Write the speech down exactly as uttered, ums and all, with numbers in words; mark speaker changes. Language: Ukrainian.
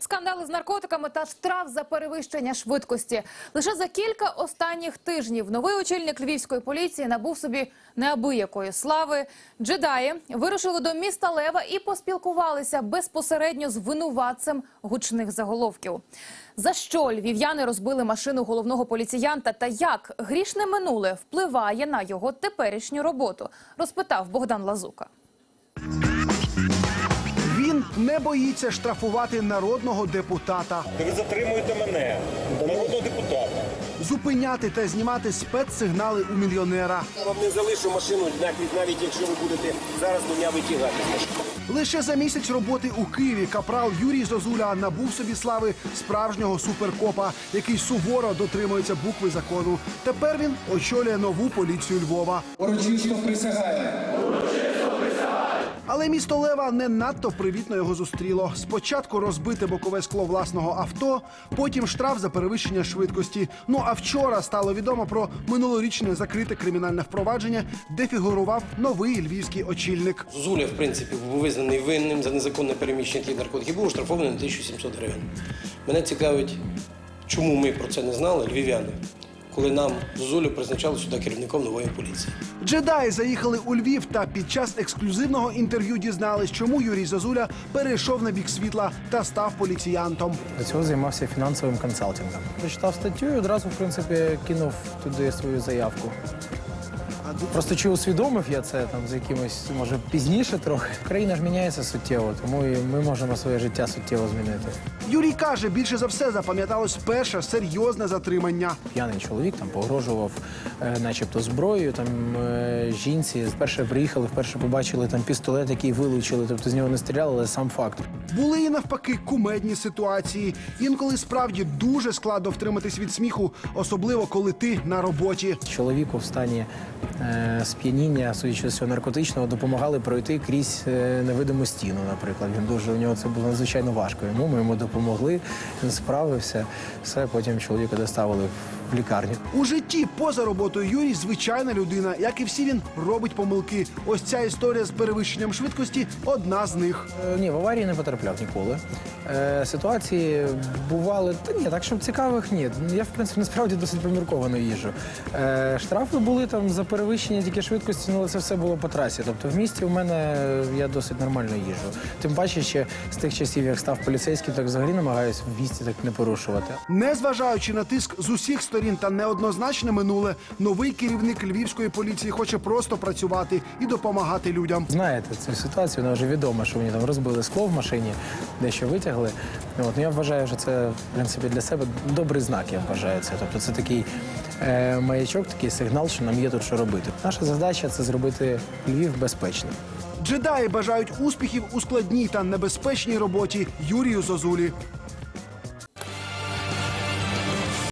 Speaker 1: Скандали з наркотиками та штраф за перевищення швидкості. Лише за кілька останніх тижнів новий очільник львівської поліції набув собі неабиякої слави. Джедаї вирушили до міста Лева і поспілкувалися безпосередньо з винуватцем гучних заголовків. За що львів'яни розбили машину головного поліціянта та як грішне минуле впливає на його теперішню роботу, розпитав Богдан Лазука.
Speaker 2: Він не боїться штрафувати народного депутата.
Speaker 3: Ви затримуєте мене, народного депутата.
Speaker 2: Зупиняти та знімати спецсигнали у мільйонера.
Speaker 3: Я вам не залишу машину, навіть, навіть якщо ви будете зараз мене витягати.
Speaker 2: Лише за місяць роботи у Києві капрал Юрій Зозуля набув собі слави справжнього суперкопа, який суворо дотримується букви закону. Тепер він очолює нову поліцію Львова.
Speaker 4: Урочисто присягаю.
Speaker 2: Але місто Лева не надто привітно його зустріло. Спочатку розбите бокове скло власного авто, потім штраф за перевищення швидкості. Ну а вчора стало відомо про минулорічне закрите кримінальне впровадження, де фігурував новий львівський очільник.
Speaker 5: Зозуля, в принципі, був визнаний винним за незаконне переміщення таких наркотиків, був оштрафований на тисячу сімсот гривень. Мене цікавить, чому ми про це не знали, львів'яни, коли нам Зозулю призначали сюди керівником нової поліції.
Speaker 2: Джедаї заїхали у Львів та під час ексклюзивного інтерв'ю дізнались, чому Юрій Зозуля перейшов на бік світла та став поліціянтом.
Speaker 6: До цього займався фінансовим консалтингом. Прочитав статтю і одразу, в принципі, кинув туди свою заявку. Просто чи усвідомив я це там з якимось, може, пізніше трохи. Країна ж міняється суттєво, тому і ми можемо своє життя суттєво змінити.
Speaker 2: Юрій каже, більше за все запам'яталось перше серйозне затримання.
Speaker 6: П'яний чоловік там погрожував е, начебто зброєю, там е, жінці. Вперше приїхали, вперше побачили там пістолет, який вилучили, тобто з нього не стріляли, але сам факт.
Speaker 2: Були і навпаки кумедні ситуації. Інколи справді дуже складно втриматись від сміху, особливо коли ти на роботі.
Speaker 6: Чоловіку в стані е, сп'яніння, судячи з цього наркотичного, допомагали пройти крізь е, невидиму стіну, наприклад. Він дуже, у нього це було надзвичайно важко. Йому ми йому допомогли, він справився. Все, потім чоловіка доставили в лікарню.
Speaker 2: У житті поза роботою Юрій звичайна людина. Як і всі, він робить помилки. Ось ця історія з перевищенням швидкості – одна з них.
Speaker 6: Е, ні, в аварії не потрапляв ніколи. Е, ситуації бували, та ні, так, щоб цікавих, ні. Я, в принципі, насправді досить помірковано їжджу. Е, штрафи були там за перевищення тільки швидкості, але це все було по трасі. Тобто в місті у мене я досить нормально їжджу. Тим паче, ще з тих часів, як став поліцейським, так взагалі намагаюся в місті так не порушувати.
Speaker 2: Незважаючи на тиск з усіх сторін та неоднозначне минуле, новий керівник львівської поліції хоче просто працювати і допомагати людям.
Speaker 6: Знаєте, цю ситуацію, вона вже відома, що мені там розбили скло в машині, дещо витягли. От, ну, я вважаю, що це, в принципі, для себе добрий знак, я вважаю це. Тобто це такий е, маячок, такий сигнал, що нам є тут що робити. Наша задача – це зробити Львів безпечним.
Speaker 2: Джедаї бажають успіхів у складній та небезпечній роботі Юрію Зозулі.